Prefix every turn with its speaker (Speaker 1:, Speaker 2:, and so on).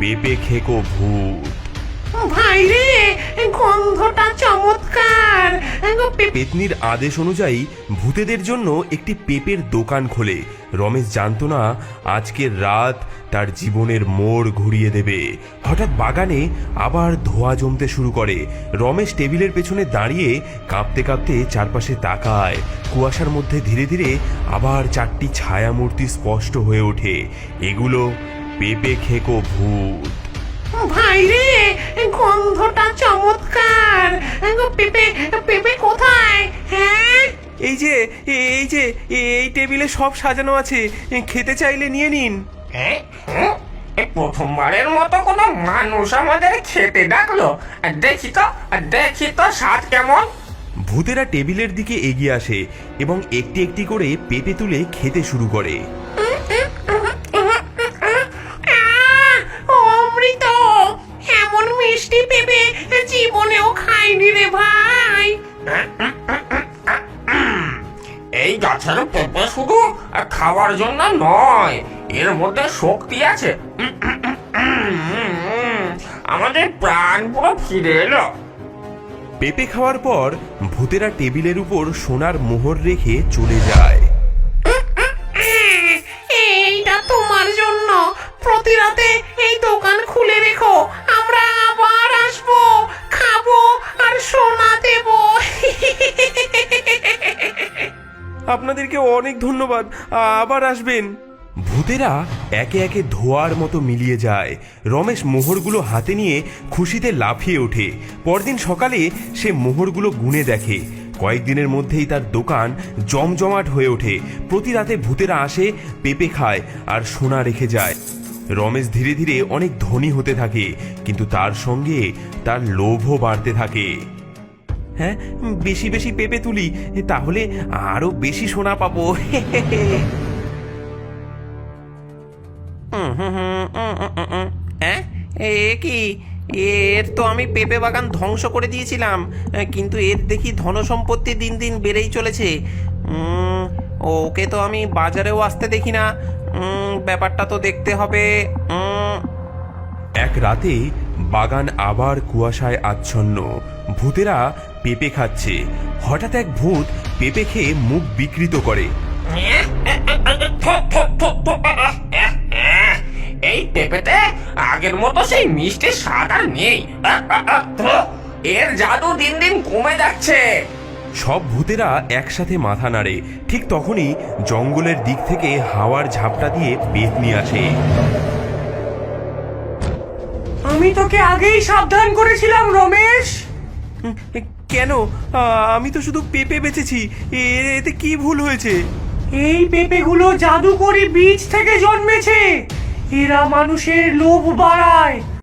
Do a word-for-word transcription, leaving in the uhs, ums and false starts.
Speaker 1: পেঁপে খেকো ভূত।
Speaker 2: ভাই রে, গন্ধটা চমৎকার।
Speaker 1: পেতনির আদেশ অনুযায়ী ভূতেদের জন্য একটি পেঁপের দোকান খোলে। রমেশ জানতো না আজকের রাত তার জীবনের মোড় ঘুরিয়ে দেবে। হঠাৎ বাগানে আবার ধোঁয়া জমতে শুরু করে। রমেশ টেবিলের পেছনে দাঁড়িয়ে কাঁপতে কাঁপতে চারপাশে তাকায়। কুয়াশার মধ্যে ধীরে ধীরে আবার চারটি ছায়ামূর্তি স্পষ্ট হয়ে ওঠে। এগুলো পেঁপে খেকো ভূত।
Speaker 2: ভাই রে, গন্ধটা চমৎকার। পেঁপে পেঁপে কোথায়? হ্যাঁ,
Speaker 1: এই যে এই যে এই টেবিলে সব সাজানো আছে, খেতে চাইলে নিয়ে নিন।
Speaker 3: হ্যাঁ, হুম, এই প্রথমবারের মতো কোনো মানুষ আমাদের খেতে ডাকলো। দেখি তো দেখি তো স্বাদ কেমন।
Speaker 1: ভূতেরা টেবিলের দিকে এগিয়ে আসে এবং একটি একটি করে পেঁপে তুলে খেতে শুরু করে।
Speaker 2: আহ, অমৃত! এমন মিষ্টি পেঁপে জীবনেও খাইনি রে ভাই।
Speaker 3: এই গাছের পেঁপে শুধু খাওয়ার জন্য নয়, এর মধ্যে শক্তি আছে। উম, উম, উম, উম, উম, আমাদের প্রাণ পুরো ফিরে এলো।
Speaker 1: পেঁপে খাওয়ার পর ভূতেরা টেবিলের উপর সোনার মোহর রেখে চলে যায়।
Speaker 2: এইটা তোমার জন্য। প্রতি রাতে এই দোকান খুলে রেখো, আমরা আবার আসবো, খাবো আর সোনা দেব।
Speaker 1: আপনাদেরকে অনেক ধন্যবাদ, আবার আসবেন। ভূতেরা একে একে ধোয়ার মতো মিলিয়ে যায়। রমেশ মোহরগুলো হাতে নিয়ে খুশিতে লাফিয়ে ওঠে। পরদিন সকালে সে মোহরগুলো গুনে দেখে। কয়েকদিনের মধ্যেই তার দোকান জমজমাট হয়ে ওঠে। প্রতি রাতে ভূতেরা আসে, পেঁপে খায় আর সোনা রেখে যায়। রমেশ ধীরে ধীরে অনেক ধনী হতে থাকে, কিন্তু তার সঙ্গে তার লোভও বাড়তে থাকে। হ্যাঁ, বেশি বেশি পেঁপে তুলি, তাহলে আরো বেশি সোনা পাবো।
Speaker 4: হ্যাঁ, এ কি? এর তো আমি পেঁপে বাগান ধ্বংস করে দিয়েছিলাম, কিন্তু এর দেখি ধনসম্পত্তি দিন দিন বেড়েই চলেছে। উম, ওকে তো আমি বাজারেও আসতে দেখি না। উম, ব্যাপারটা তো দেখতে হবে। উম,
Speaker 1: এক রাতে বাগান আবার কুয়াশায় আচ্ছন্ন। ভূতেরা পেঁপে খাচ্ছে। হঠাৎ এক ভূত পেঁপে খেয়ে মুখ বিকৃত করে।
Speaker 3: এই পেঁপেতে আগের মতো সেই মিষ্টি স্বাদ আর নেই। এর জাদু দিন দিন কমে যাচ্ছে।
Speaker 1: সব ভূতেরা একসাথে মাথা নাড়ে। ঠিক তখনই জঙ্গলের দিক থেকে হাওয়ার ঝাপটা দিয়ে পেতনি আসে।
Speaker 2: আমি তোকে আগেই সাবধান করেছিলাম রমেশ।
Speaker 1: কেন? আমি তো শুধু পেঁপে বেচেছি, এতে কি ভুল হয়েছে?
Speaker 2: এই পেঁপেগুলো জাদুকরি বীজ থেকে জন্মেছে। এরা মানুষের লোভ বাড়ায়,